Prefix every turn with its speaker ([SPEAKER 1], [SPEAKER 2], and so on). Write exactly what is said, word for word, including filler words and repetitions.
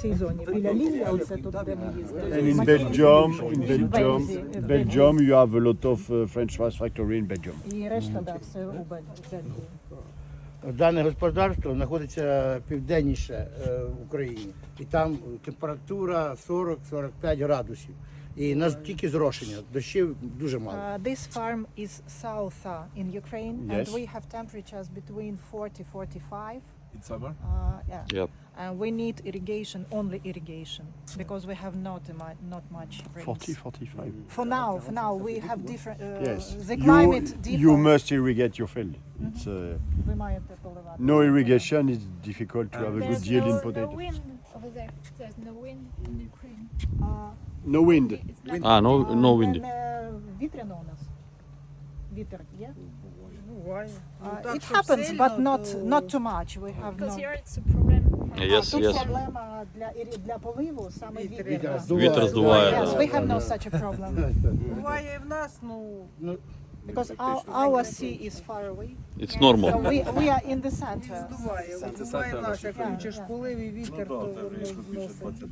[SPEAKER 1] цій зоні. Біля Лілля, оце тут, де ми їздили.
[SPEAKER 2] And in Belgium, in Belgium, Belgium, you have a lot of uh, French fries factory in Belgium.
[SPEAKER 1] І решта, да, все у Бель- Бельгії.
[SPEAKER 3] Дане господарство знаходиться південніше е, в Україні. І там температура сорок - сорок п'ять градусів. І нас тільки зрошення, дощів дуже мало.
[SPEAKER 1] Uh, this farm is south uh, in Ukraine,
[SPEAKER 2] Yes.
[SPEAKER 1] and we have temperatures between forty to forty-five.
[SPEAKER 4] In summer?
[SPEAKER 1] Uh, yeah.
[SPEAKER 5] Yep.
[SPEAKER 1] And we need irrigation, only irrigation, because we have not a mu- not much rains.
[SPEAKER 2] forty, forty-five.
[SPEAKER 1] For now, for now we have different. Uh,
[SPEAKER 2] Yes.
[SPEAKER 1] The
[SPEAKER 2] You,
[SPEAKER 1] climate differ.
[SPEAKER 2] you must irrigate your field. It's, uh,
[SPEAKER 1] Ви маєте поливати.
[SPEAKER 2] no irrigation is difficult to have a good
[SPEAKER 6] There's
[SPEAKER 2] yield in
[SPEAKER 6] no, no
[SPEAKER 2] potatoes.
[SPEAKER 6] wind over there. There's no wind in Ukraine.
[SPEAKER 1] Uh,
[SPEAKER 2] No wind.
[SPEAKER 6] It's like
[SPEAKER 5] Ah, no, no
[SPEAKER 1] uh,
[SPEAKER 5] windy.
[SPEAKER 1] and, uh, вітряно у нас. Вітер є?
[SPEAKER 7] Буває. Ну,
[SPEAKER 1] Uh,
[SPEAKER 7] так,
[SPEAKER 1] It
[SPEAKER 7] щоб
[SPEAKER 1] happens,
[SPEAKER 7] сильно,
[SPEAKER 1] but not
[SPEAKER 7] то-
[SPEAKER 1] not too much. We have
[SPEAKER 6] because
[SPEAKER 1] no.
[SPEAKER 6] here it's a problem. For
[SPEAKER 5] Yes,
[SPEAKER 1] Тут
[SPEAKER 5] yes.
[SPEAKER 1] проблема для ірі- для поливу саме
[SPEAKER 7] Вітер
[SPEAKER 1] вітер.
[SPEAKER 7] якраз.
[SPEAKER 5] Вітер здуває,
[SPEAKER 1] Yes,
[SPEAKER 5] да.
[SPEAKER 1] we have no such a problem
[SPEAKER 7] Буває і в нас, ну,
[SPEAKER 3] Ну,
[SPEAKER 1] because our, our sea is far away.
[SPEAKER 5] It's
[SPEAKER 1] So
[SPEAKER 5] normal.
[SPEAKER 1] we we are in the center.
[SPEAKER 7] здуває.
[SPEAKER 4] Це
[SPEAKER 7] Буває
[SPEAKER 4] центр
[SPEAKER 7] в нас, як
[SPEAKER 1] нашої
[SPEAKER 7] включиш
[SPEAKER 1] країни.
[SPEAKER 7] полив і вітер, то воно зносить.